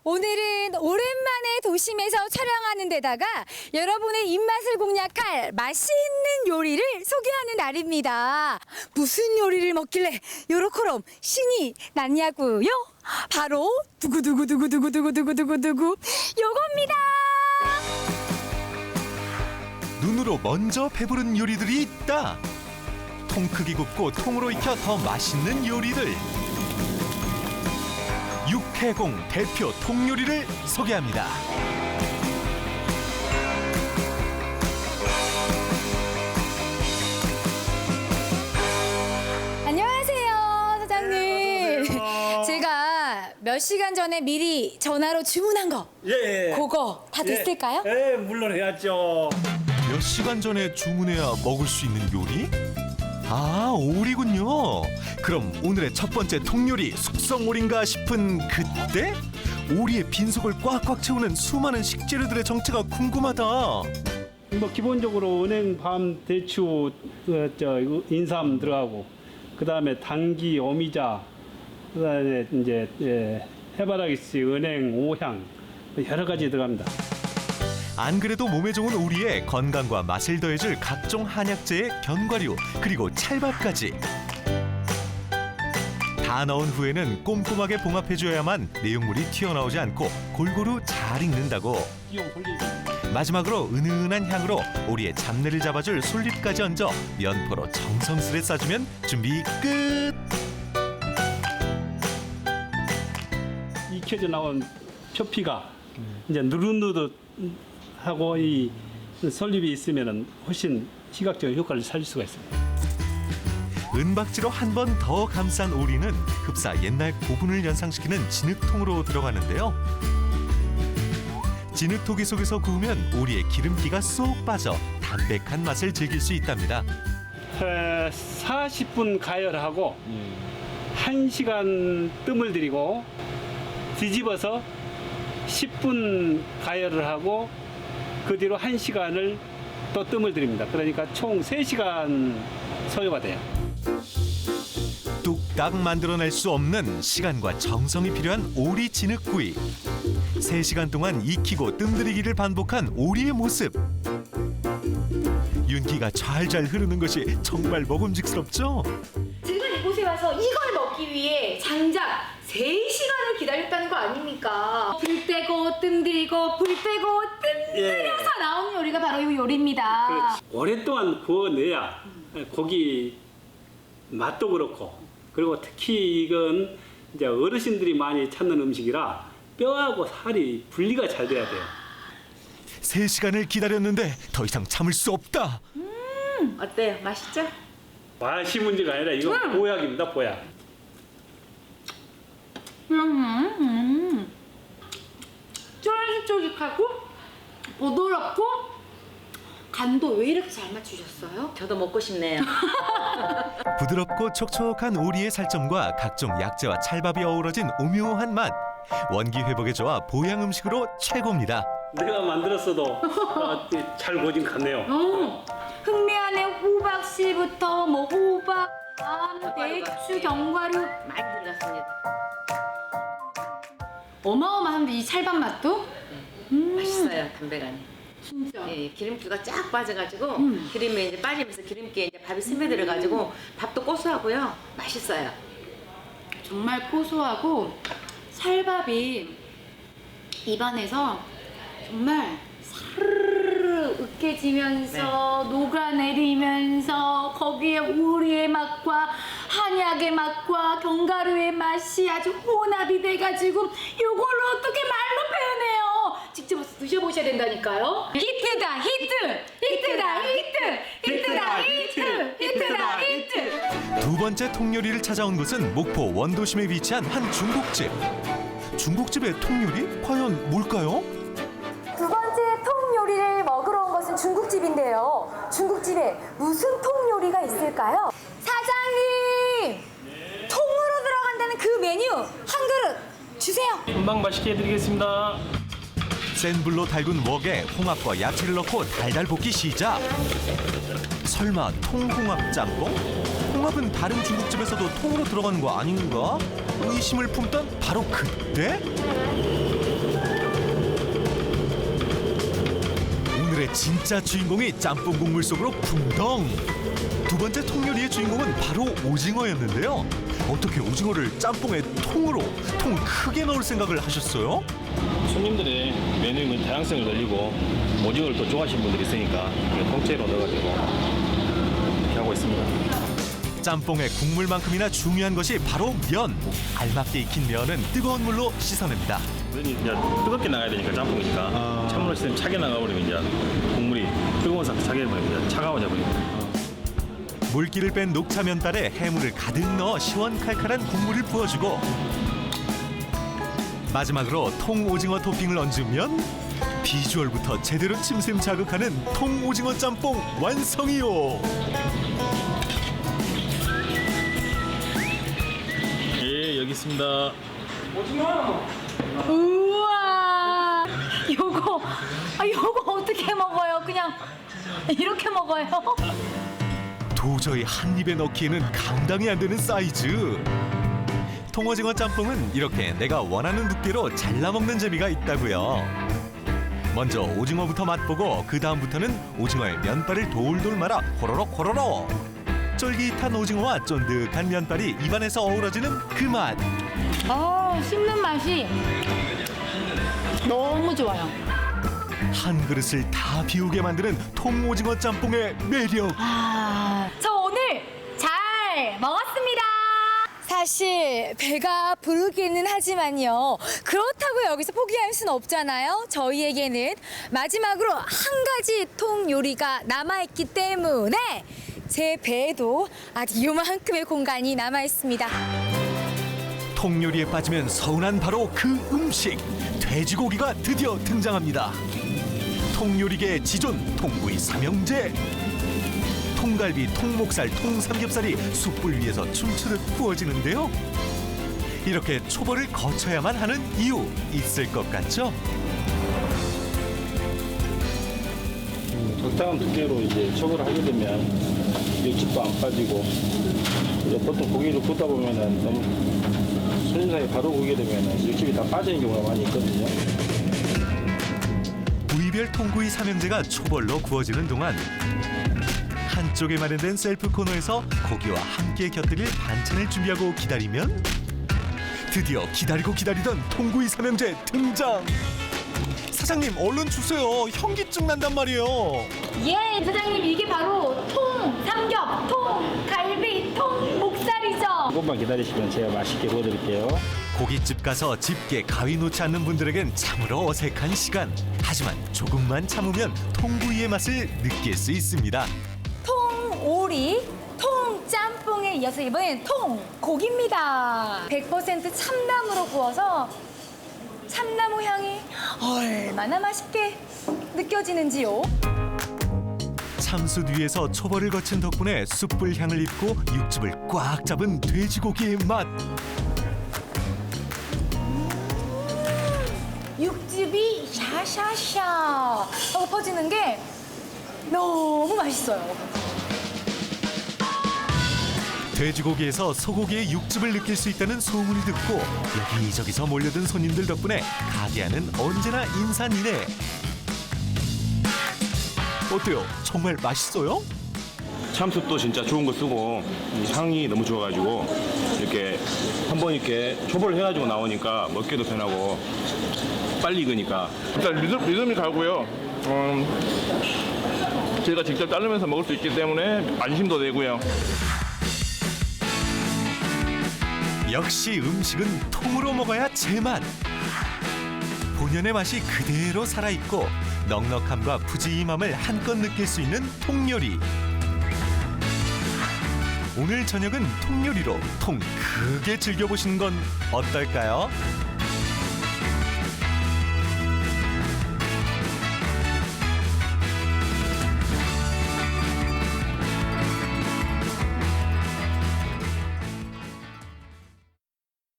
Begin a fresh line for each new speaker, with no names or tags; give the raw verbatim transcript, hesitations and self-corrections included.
오늘은 오랜만에 도심에서 촬영하는 데다가 여러분의 입맛을 공략할 맛있는 요리를 소개하는 날입니다. 무슨 요리를 먹길래 요렇게럼 신이 났냐고요? 바로 두구두구두구두구두구두구두구 요겁니다.
눈으로 먼저 배부른 요리들이 있다. 통 크기 굽고 통으로 익혀 더 맛있는 요리들. 육해공 대표 통요리를 소개합니다.
안녕하세요, 사장님.
네, 안녕하세요.
제가 몇 시간 전에 미리 전화로 주문한 거
예.
그거 다 됐을까요?
예, 예, 물론 해야죠.
몇 시간 전에 주문해야 먹을 수 있는 요리? 아, 오리군요. 그럼 오늘의 첫 번째 통요리 숙성오리인가 싶은 그때? 오리의 빈속을 꽉꽉 채우는 수많은 식재료들의 정체가 궁금하다.
뭐 기본적으로 은행, 밤, 대추, 어, 저 이거 인삼 들어가고, 그 다음에 당귀, 오미자, 그 다음에 이제 예, 해바라기씨, 은행, 오향 여러 가지 들어갑니다.
안 그래도 몸에 좋은 오리에 건강과 맛을 더해줄 각종 한약재의 견과류 그리고 찰밥까지 다 넣은 후에는 꼼꼼하게 봉합해줘야만 내용물이 튀어나오지 않고 골고루 잘 익는다고.
띄용 돌리기.
마지막으로 은은한 향으로 오리의 잡내를 잡아줄 솔잎까지 얹어 면포로 정성스레 싸주면 준비 끝!
익혀져 나온 표피가 이제 누릇누릇 하고 이 솔잎이 있으면은 훨씬 시각적인 효과를 살릴 수가 있습니다.
은박지로 한 번 더 감싼 오리는 흡사 옛날 고분을 연상시키는 진흙통으로 들어가는데요. 진흙토기 속에서 구우면 오리의 기름기가 쏙 빠져 담백한 맛을 즐길 수 있답니다.
에, 사십 분 가열하고 한 시간 뜸을 들이고 뒤집어서 십 분 가열을 하고 그 뒤로 한 시간을 또 뜸을 들입니다. 그러니까 총 세 시간 소요가 돼요.
뚝딱 만들어낼 수 없는 시간과 정성이 필요한 오리 진흙구이. 세 시간 동안 익히고 뜸들이기를 반복한 오리의 모습. 윤기가 잘잘 흐르는 것이 정말 먹음직스럽죠?
지금 이곳에 와서 이걸 먹기 위해 장작 세 시간을 기다렸다는 거 아닙니까? 불 떼고 뜸 들이고 불 빼고 뜸 들여서
예.
나오는 요리가 바로 이 요리입니다.
그렇지. 오랫동안 구워내야 고기 맛도 그렇고, 그리고 특히 이건 이제 어르신들이 많이 찾는 음식이라 뼈하고 살이 분리가 잘 돼야 돼요.
세 시간을 기다렸는데 더 이상 참을 수 없다.
어때요? 맛있죠?
맛이 문제가 아니라 이건 보약입니다, 보약.
음, 음. 쫄깃쫄깃하고 부드럽고 간도 왜 이렇게 잘 맞추셨어요?
저도 먹고 싶네요.
부드럽고 촉촉한 오리의 살점과 각종 약재와 찰밥이 어우러진 오묘한 맛. 원기 회복에 좋아 보양 음식으로 최고입니다.
내가 만들었어도 어, 잘 보진 않네요.
어, 흑미안의 호박씨부터 뭐 호박, 밤, 대추, 견과류
많이 들어갔습니다.
어마어마한데 이 찰밥 맛도?
맛있어요, 담백하니.
진짜.
예, 기름기가 쫙 빠져가지고
음.
기름에 이제 빠지면서 기름기에 이제 밥이 스며들어가지고 밥도 고소하고요, 맛있어요.
정말 고소하고 찰밥이 입안에서 정말 사르르 으깨지면서 녹아내리면서 거기에 오리의 맛과 한약의 맛과 견과류의 맛이 아주 혼합이 돼가지고 요걸로 어떻게 말로 표현해요? 직접 드셔보셔야 된다니까요. 히트다 히트! 히트다 히트! 히트다 히트! 히트다 히트!
두 번째 통요리를 찾아온 곳은 목포 원도심에 위치한 한 중국집. 중국집의 통요리? 과연 뭘까요?
두 번째 통 요리를 먹으러 온 것은 중국집인데요. 중국집에 무슨 통 요리가 있을까요? 사장님! 통으로 들어간다는 그 메뉴 한 그릇 주세요.
금방 맛있게 해드리겠습니다.
센 불로 달군 웍에 홍합과 야채를 넣고 달달 볶기 시작. 설마 통홍합 짬뽕? 홍합은 다른 중국집에서도 통으로 들어가는 거 아닌가? 의심을 품던 바로 그때 오늘의 진짜 주인공이 짬뽕 국물 속으로 풍덩. 두 번째 통요리의 주인공은 바로 오징어였는데요. 어떻게 오징어를 짬뽕에 통으로 통 크게 넣을 생각을 하셨어요?
손님들의 메뉴의 다양성을 늘리고 오징어를 또 좋아하시는 분들이 있으니까 통째로 넣어가지고 이렇게 하고 있습니다.
짬뽕의 국물만큼이나 중요한 것이 바로 면. 알맞게 익힌 면은 뜨거운 물로 씻어냅니다.
면이 이제 뜨겁게 나가야 되니까 짬뽕이니까 찬물로 씻으면 차게 나가버리면 이제 국물이 뜨거운 상태 차게 버리면 이제 차가워져 버립니다.
물기를 뺀 녹차 면발에 해물을 가득 넣어 시원칼칼한 국물을 부어주고 마지막으로 통오징어 토핑을 얹으면 비주얼부터 제대로 침샘 자극하는 통오징어 짬뽕 완성이요.
예, 여기 있습니다.
우와, 요거, 아, 요거 어떻게 먹어요? 그냥 이렇게 먹어요?
도저히 한 입에 넣기에는 감당이 안 되는 사이즈. 통오징어 짬뽕은 이렇게 내가 원하는 두께로 잘라 먹는 재미가 있다고요. 먼저 오징어부터 맛보고 그 다음부터는 오징어의 면발을 돌돌 말아 호로록 호로록. 쫄깃한 오징어와 쫀득한 면발이 입안에서 어우러지는 그 맛.
아, 씹는 맛이 너무 좋아요.
한 그릇을 다 비우게 만드는 통오징어 짬뽕의 매력.
아, 저 오늘 잘 먹었습니다. 사실 배가 부르기는 하지만요. 그렇다고 여기서 포기할 수는 없잖아요. 저희에게는 마지막으로 한 가지 통 요리가 남아있기 때문에 제 배에도 아직 요만큼의 공간이 남아있습니다.
통요리에 빠지면 서운한 바로 그 음식. 돼지고기가 드디어 등장합니다. 통요리계의 지존 통구이 삼형제. 통갈비, 통목살, 통삼겹살이 숯불 위에서 춤추듯 구워지는데요. 이렇게 초벌을 거쳐야만 하는 이유 있을 것 같죠?
적당한 두께로 이제 척을 하게 되면 육즙도 안 빠지고 이제 보통 고기를 굽다 보면은 너무 손님상에 바로 구게 되면은 육즙이 다 빠지는 경우가 많이 있거든요.
부위별 통구이 삼형제가 초벌로 구워지는 동안 한쪽에 마련된 셀프 코너에서 고기와 함께 곁들일 반찬을 준비하고 기다리면 드디어 기다리고 기다리던 통구이 삼형제 등장. 사장님 얼른 주세요. 현기증 난단 말이에요.
예, 사장님, 이게 바로 통 삼겹, 통 갈비, 통 목살이죠.
조금만 기다리시면 제가 맛있게 구워드릴게요.
고깃집 가서 집게 가위 놓지 않는 분들에겐 참으로 어색한 시간. 하지만 조금만 참으면 통구이의 맛을 느낄 수 있습니다.
통오리, 통짬뽕에 이어서 이번엔 통고기입니다. 백 퍼센트 참나무로 구워서 참나무 향이 얼마나 맛있게 느껴지는지요.
참숯 위에서 초벌을 거친 덕분에 숯불 향을 입고 육즙을 꽉 잡은 돼지고기의 맛.
육즙이 샤샤샤 하고 퍼지는 게 너무 맛있어요.
돼지고기에서 소고기의 육즙을 느낄 수 있다는 소문을 듣고 여기저기서 몰려든 손님들 덕분에 가게 안은 언제나 인산인해. 어때요? 정말 맛있어요?
참숯도 진짜 좋은 거 쓰고 이 향이 너무 좋아가지고 이렇게 한번 이렇게 초벌을 해가지고 나오니까 먹기도 편하고 빨리 익으니까
일단 리듬, 리듬이 가고요. 음, 제가 직접 자르면서 먹을 수 있기 때문에 안심도 되고요.
역시 음식은 통으로 먹어야 제맛. 본연의 맛이 그대로 살아있고 넉넉함과 푸짐함을 한껏 느낄 수 있는 통요리. 오늘 저녁은 통요리로 통 크게 즐겨보시는 건 어떨까요?